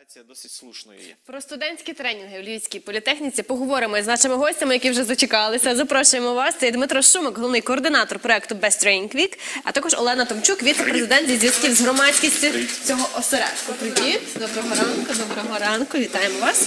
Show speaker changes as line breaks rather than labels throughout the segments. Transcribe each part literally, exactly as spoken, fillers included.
Аргументація досить слушною є.
Про студентські тренінги в Львівській політехніці поговоримо з нашими гостями, які вже зачекалися. Запрошуємо вас. Це Дмитро Шумик, головний координатор проєкту Best Training Week, а також Олена Томчук, віце-президент зі зв'язків з громадськістю цього осередку. Привіт, доброго ранку, доброго ранку, вітаємо вас.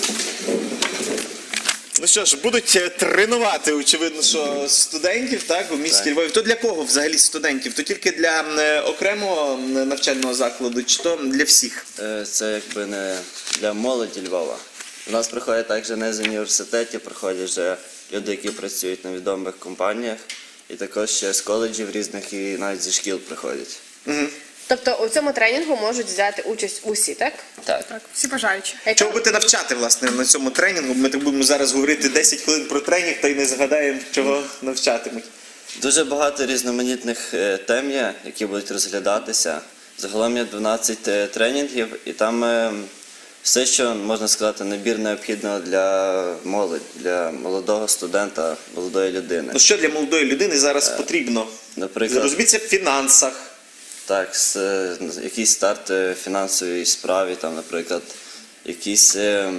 Ну що ж, будуть тренувати, очевидно, що студентів, так, у місті Львові. То для кого взагалі студентів? То тільки для е, окремого навчального закладу, чи то для всіх?
Це якби не для молоді Львова. У нас приходять також не з університетів, приходять вже люди, які працюють на відомих компаніях, і також ще з коледжів різних і навіть зі шкіл приходять.
Угу.
Тобто у цьому тренінгу можуть взяти участь усі, так?
Так.
Так, всі бажаючі.
Чого будете навчати, власне, на цьому тренінгу? Ми так будемо зараз говорити десять хвилин про тренінг, та й не згадаємо, чого навчатимуть.
Дуже багато різноманітних е, тем є, які будуть розглядатися. Загалом є дванадцять е, тренінгів, і там е, все, що, можна сказати, набір необхідного для молоді, для молодого студента, молодої людини.
Ну що для молодої людини зараз потрібно?
Наприклад,
Розуміться в фінансах.
Так, з, е, якийсь старт е, фінансової справі, там, наприклад, якийсь е,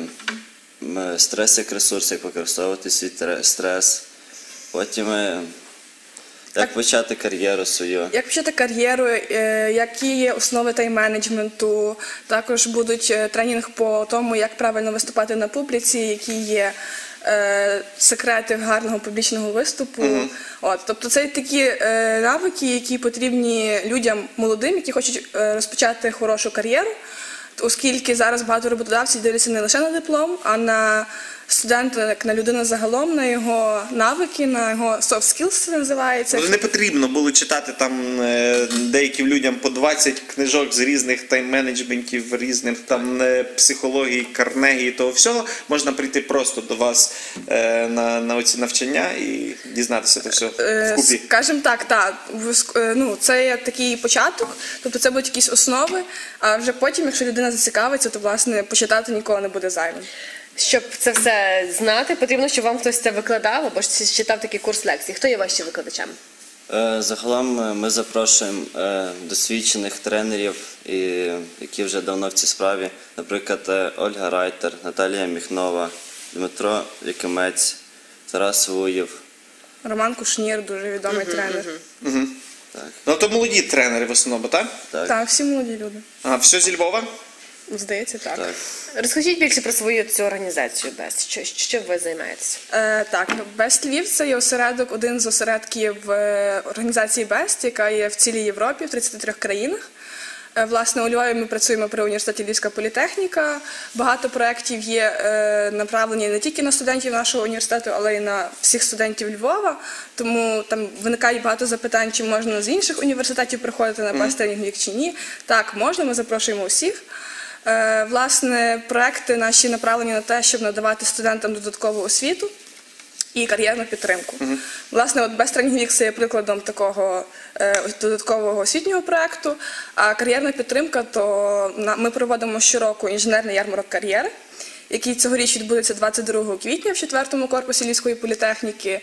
м, стрес як ресурс, як використовувати свій тре- стрес. Потім, е, як почати кар'єру свою.
Як почати кар'єру, е, які є основи тайм-менеджменту, також будуть е, тренінг по тому, як правильно виступати на публіці, які є е, секрети гарного публічного виступу.
Мгм.
От, тобто це такі е, навики, які потрібні людям молодим, які хочуть е, розпочати хорошу кар'єру, оскільки зараз багато роботодавців дивляться не лише на диплом, а на студента, як на людину загалом, на його навики, на його soft skills, це називається.
Ну, не потрібно було читати там е, деяким людям по двадцять книжок з різних тайм-менеджментів, різних там е, психології, Карнегі і того всього. Можна прийти просто до вас е, на, на оці навчання і дізнатися це все
Е,
вкупі.
Скажімо так, так, виск- е, ну, це є такий початок, тобто це будуть якісь основи, а вже потім, якщо людина зацікавиться, то, власне, почитати ніколи не буде зайвим.
Щоб це все знати, потрібно, щоб вам хтось це викладав, або ж читав такий курс лекцій. Хто є ваші викладачами?
Е, Загалом е, ми запрошуємо е, досвідчених тренерів, і, які вже давно в цій справі. Наприклад, е, Ольга Райтер, Наталія Міхнова, Дмитро Якимець, Тарас Вуєв.
Роман Кушнір, дуже відомий тренер.
Угу.
Так.
Ну то молоді тренери в основному, так?
Так.
Так, всі молоді люди.
А все зі Львова?
Здається, так.
Так.
Розкажіть більше про свою цю організацію Best. Що, що ви займаєтеся?
Е, так, Best Львів – це є осередок, один з осередків е, організації Best, яка є в цілій Європі, в тридцяти трьох країнах. Е, власне, у Львові ми працюємо при університеті Львівська політехніка. Багато проєктів є е, направлені не тільки на студентів нашого університету, але й на всіх студентів Львова. Тому там виникає багато запитань, чи можна з інших університетів приходити на Best Training Week чи ні. Так, можна, ми запрошуємо усіх. Е, Власне, проекти наші направлені на те, щоб надавати студентам додаткову освіту і кар'єрну підтримку. Uh-huh. Власне, от Best Training Week – це є прикладом такого е, додаткового освітнього проекту, а кар'єрна підтримка, то на, ми проводимо щороку інженерний ярмарок кар'єри, який цьогоріч відбудеться двадцять другого квітня в четвертому корпусі Львівської політехніки.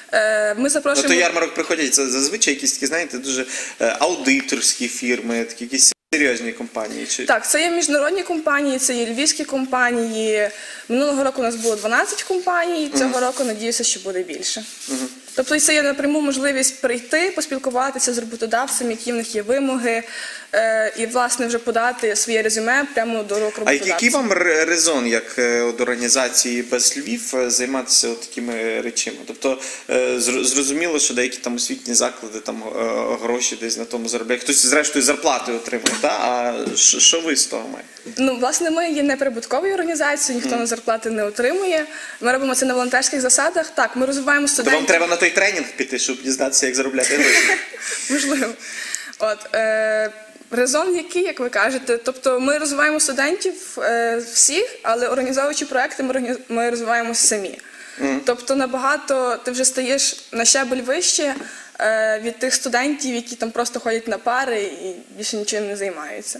Е, Ми
Ну
запрошуємо...
то ярмарок приходять це зазвичай якісь такі, знаєте, дуже е, аудиторські фірми, такі якісь серйозні компанії. Чи...
Так, це є міжнародні компанії, це є львівські компанії. Минулого року у нас було дванадцять компаній, цього року, надіюся, що буде більше.
Мгм.
Тобто це є напряму можливість прийти, поспілкуватися з роботодавцем, які в них є вимоги, е, і, власне, вже подати своє резюме прямо до рук
А
роботодавця.
який вам ре- резон, як е, от організації Best Львів, е, займатися от такими речами? Тобто, е, зр- зрозуміло, що деякі там освітні заклади там е, гроші десь на тому заробляють. Хтось, зрештою, зарплати отримує, та? А що що ви з того маєте?
Ну, власне, ми є неприбутковою організацією, ніхто на зарплати не отримує. Ми робимо це на волонтерських засадах. Так, ми розвиваємо
То
студентів.
вам треба на той тренінг піти, щоб дізнатися, як заробляти гроші.
Можливо. От, е, резон який, як ви кажете, тобто ми розвиваємо студентів е, всіх, але організовуючи проекти, ми, органі- ми розвиваємося самі. Тобто набагато ти вже стаєш на щабель вище е, від тих студентів, які там просто ходять на пари і більше нічим не займаються.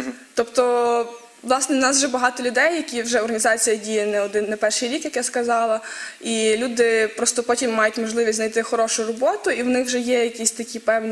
Тобто, власне, у нас вже багато людей, які вже організація діє не один, не перший рік, як я сказала, і люди просто потім мають можливість знайти хорошу роботу, і в них вже є якісь такі певні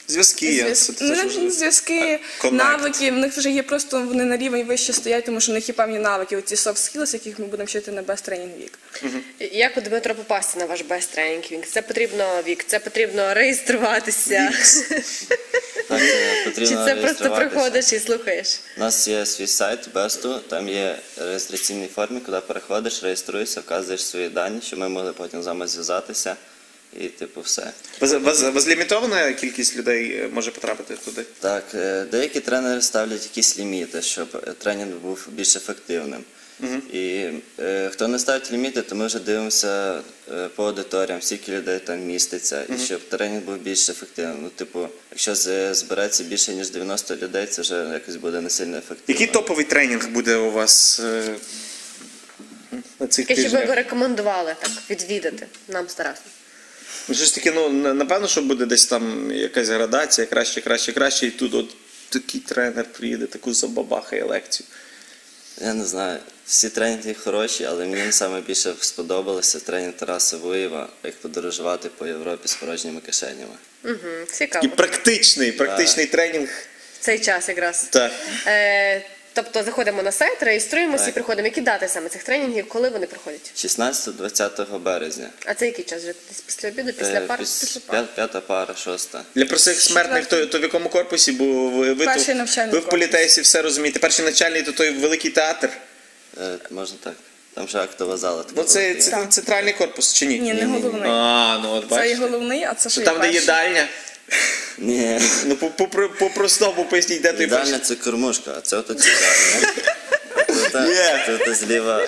Зв'язки. я-
Зв'язки,
це-
ну,
це
навіть
ж-
зв'язки,
Коннект.
навики, в них вже є просто вони на рівень вище стоять, тому що в них є певні навики, оці soft skills, яких ми будемо вчити на Best Training Week.
Як у Дмитро попасти на ваш Best Training Week? Це потрібно вік, це потрібно реєструватися.
Так, е,
Чи
потрібно
це просто
реєструватися.
приходиш і слухаєш?
У нас є свій сайт Бесту, там є реєстраційний формі, куди переходиш, реєструєшся, вказуєш свої дані, щоб ми могли потім з вами зв'язатися. І типу все.
Без, без, безлімітована кількість людей е, може потрапити туди?
Так, е, деякі тренери ставлять якісь ліміти, щоб е, тренінг був більш ефективним. І е, хто не ставить ліміти, то ми вже дивимося е, по аудиторіям, скільки людей там міститься, і щоб тренінг був більш ефективним. Ну, типу, якщо з- збереться більше ніж дев'яносто людей, це вже якось буде не сильно ефективно.
Який топовий тренінг буде у вас е, на цих
Яке, щоб ви
тижнях?
рекомендували так відвідати нам з Тарасом?
Ну, щось таке, ну, на- напевно, що буде десь там якась градація, краще, краще, краще, і тут от такий тренер приїде, таку забабахає лекцію.
Я не знаю, всі тренінги хороші, але мені найбільше сподобалося тренінг Тараса Вуєва, як подорожувати по Європі з порожніми кишенями.
Угу, цікаво.
І практичний, практичний тренінг.
В цей час якраз.
Так.
Е, тобто заходимо на сайт, реєструємося і
Так.
приходимо. Які дати саме цих тренінгів, коли вони проходять?
шістнадцятого-двадцятого березня.
А це який час? Вже десь після обіду, після
Е,
пар?
піс- п'я- П'ята пара, шоста.
Для простих смертних, то, то в якому корпусі, бо ви, ви,
Перший
то,
навчальний
ви в
корпус.
політесі все розумієте. Перший навчальний, то той великий театр.
Е, Можна так. Там ще актова зала. така
Ну це,
велика.
це центральний корпус чи ні?
Ні, не головний.
А, ну от
Це є
бачите.
головний, а це ще
То
є
там, де
перший.
їдальня.
Ні.
Ну по, по, по, по простому поясніть, де той
Їдальня
перший.
це кормушка, а це отут їдальня. Тут,
Є.
тут зліва.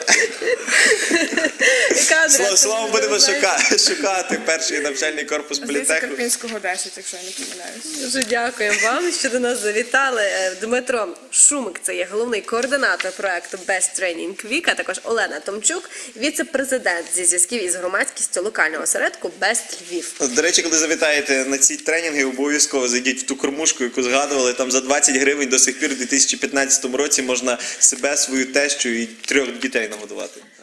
Яка адреса?
Слово, словом будемо
Знаєте?
шукати, шукати перший навчальний корпус
Здається,
політеху.
Карпінського десять, якщо я не помиляюсь.
Дуже дякуємо вам, що до нас завітали. Е, Дмитро Шумик, це є головний координатор проекту Best Training Week, а також Олена Томчук, віце-президент зі зв'язків із громадськістю локального осередку Best Львів.
До речі, коли завітаєте на ці тренінги, обов'язково зайдіть в ту кормушку, яку згадували. Там за двадцять гривень до сих пір у дві тисячі п'ятнадцятому році можна себе, свою тещу і трьох дітей нагодувати.